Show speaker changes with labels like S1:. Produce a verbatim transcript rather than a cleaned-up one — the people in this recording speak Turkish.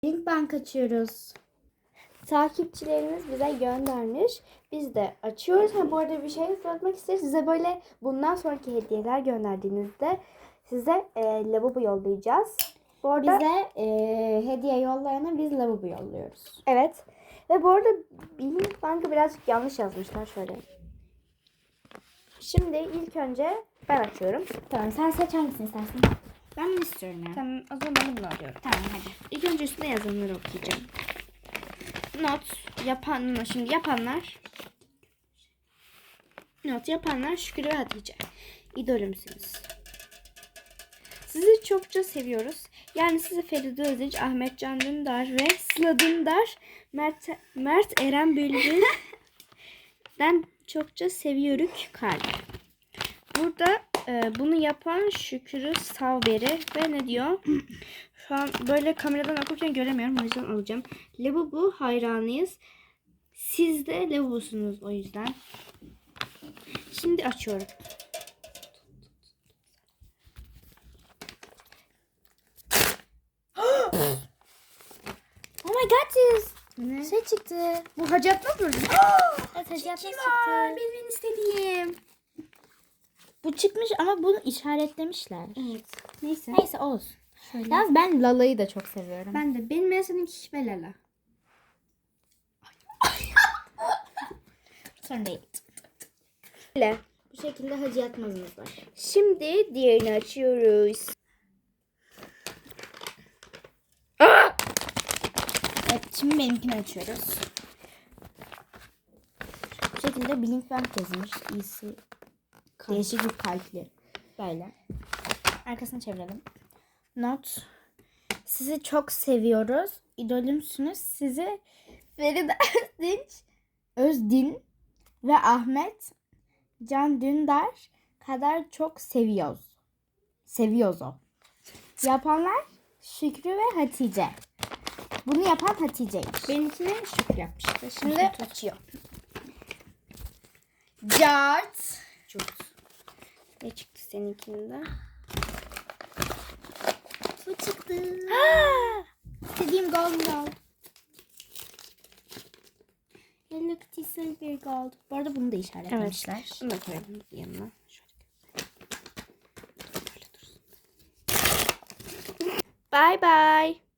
S1: Link bank açıyoruz. Takipçilerimiz bize göndermiş. Biz de açıyoruz. Ha, bu arada bir şey sormak isteriz. Size böyle bundan sonraki hediyeler gönderdiğinizde size e, lavabo yollayacağız. Bu arada,
S2: bize e, hediye yollayana biz lavabo yolluyoruz.
S1: evet. Ve bu arada Link bankı birazcık yanlış yazmışlar şöyle. Şimdi ilk önce ben açıyorum.
S2: Tamam, sen seç hangisini istersin?
S1: Ben bunu istiyorum ya.
S2: Tamam, o zaman ben de bunu alıyorum. Tamam, hadi.
S1: İlk önce üstüne yazanları okuyacağım. Not yapan, şimdi yapanlar. Not yapanlar Şükrü ve Hatice. İdolümsünüz. Sizi çokça seviyoruz. Yani sizi Feride Özdeş, Ahmet Can Dündar ve Sıla Dündar, Mert, Mert Eren Bülbül'den çokça seviyoruz kalp. Burada e, bunu yapan Şükrü Savberi ve ne diyor? Şu an böyle kameradan okurken göremiyorum, o yüzden alacağım. Lavabo hayranıyız. Siz de lavabosunuz o yüzden. Şimdi açıyorum.
S2: Oh my god, sis.
S1: Ne?
S2: Şey çıktı.
S1: Bu Hacı Atmaz mı?
S2: Evet, hacı çıktı.
S1: Benim istediğim.
S2: Bu çıkmış ama bunu işaretlemişler.
S1: Evet. Neyse.
S2: Neyse, olsun.
S1: Şöyle.
S2: Yalnız ben Lala'yı da çok seviyorum.
S1: Ben de. Benim en sevdiğim kişi Belala.
S2: Sorun değil.
S1: Böyle.
S2: Bu şekilde hacı yatmazımız var.
S1: Şimdi diğerini açıyoruz.
S2: Evet, şimdi benimkini açıyoruz. Bu şekilde Blinkbank yazılmış. İyisi. Değişik bir kalpli. Böyle. Arkasını çevirelim. Not. Sizi çok seviyoruz. İdolümsünüz. Sizi Feride Özdinç, Özdin ve Ahmet Can Dündar kadar çok seviyoruz. Seviyoruz o. Yapanlar Şükrü ve Hatice. Bunu yapan Hatice'ymiş.
S1: Benimkini Şükrü yapmıştı.
S2: Şimdi açıyor. Cart.
S1: Çok. Ne çıktı seninkinde?
S2: Bu çıktı. İstediğim golden gold. Hello Kitty Silver Gold. Bu arada bunu da işaretlemişler.
S1: Evet. Bunu da koyalım yanına. Şöyle. Böyle dursun. Bye bye.